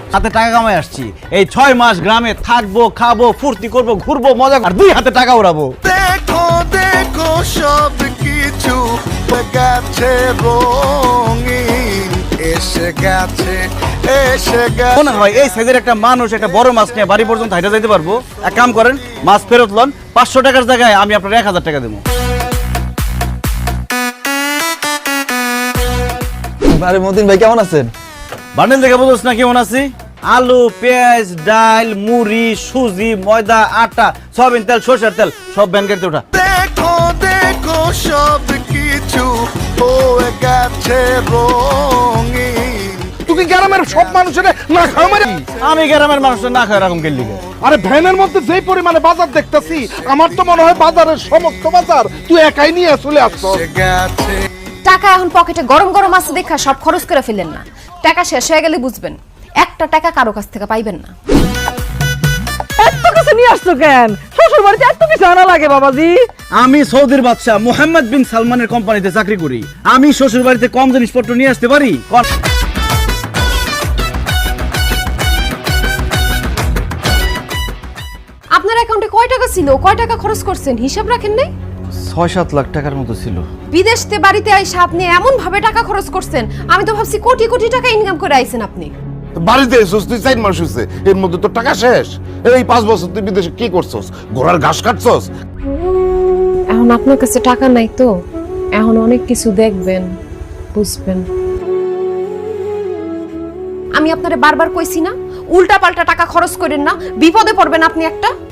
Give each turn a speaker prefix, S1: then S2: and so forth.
S1: হাতে টাকা কামাই আসছি। এই 6 মাস গ্রামে থাকবো, খাবো, ফুর্তি করবো, ঘুরবো, মজা আর 2 হাতে টাকা উড়াবো।
S2: দেখো দেখো সব কিছু গেছে রঙিন, এসে গেছে এসে গেছে।
S1: মনে হয় এই সাইজের একটা মানুষ একটা বড় মাছ নিয়ে বাড়ি পর্যন্ত হাইটা যাইতে পারবো? এক কাম করেন, মাছ ফেরত লন, 500 টাকার জায়গায় আমি আপনার 1000 টাকা দেবো।
S3: আরে মতিন ভাই কেমন আছেন?
S1: বান্ডেল দেখে বুঝোস না কেমন আছি? আলু, পেঁয়াজ, ডাল, মুড়ি, সুজি, ময়দা, আটা, সয়াবিন তেল, সরষের তেল সব ব্যাংকের ওঠা।
S2: দেখো দেখো সব কিছু হয়ে গেছে রঙিন।
S4: তুই গ্রামের সব মানুষের না খাওয়া মারি?
S1: আমি গ্রামের মানুষের না খায় এরকম গেলি।
S4: আরে ভ্যানের মধ্যে যেই পরিমাণে বাজার দেখতেছি, আমার তো মনে হয় বাজারের সমস্ত বাজার তুই একাই নিয়ে চলে আসছো।
S2: এসে গেছে
S5: টাকা এখন পকেটে গরম গরম আছে দেখা সব খরচ করে ফেলেন না। টাকা শেষ হয়ে গেলে বুঝবেন একটা টাকা কারো কাছ থেকে পাইবেন না।
S6: এত কিছু নিয়ে আসছো কেন? শ্বশুর বাড়িতে এত কিছু আনা লাগে বাবাজি?
S1: আমি সৌদির বাদশা মোহাম্মদ বিন সালমানের কোম্পানিতে চাকরি করি। আমি শ্বশুর বাড়িতে কম জিনিসপত্র নিয়ে আসতে পারি?
S5: আপনার অ্যাকাউন্টে কয় টাকা ছিল, কয় টাকা খরচ করছেন হিসাব রাখেন নাই?
S1: 6-7 লাখ টাকার মতো ছিল।
S5: বিদেশতে বাড়িতে আইসা আপনি এমন ভাবে টাকা খরচ করছেন, আমি তো ভাবছি কোটি কোটি টাকা ইনকাম করে আইছেন আপনি।
S4: বাড়িতে এসোস তুই 4 মাস হয়েছে, এর মধ্যে তো টাকা শেষ। এই 5 বছর তুই বিদেশে কি করছস? ঘোড়ার ঘাস কাটছস?
S5: এখন আপনার কাছে টাকা নাই তো, এখন অনেক কিছু দেখবেন, বুঝবেন। আমি আপনারে বারবার কইছি না উল্টা পাল্টা টাকা খরচ করেন না, বিপদে পড়বেন আপনি একটা।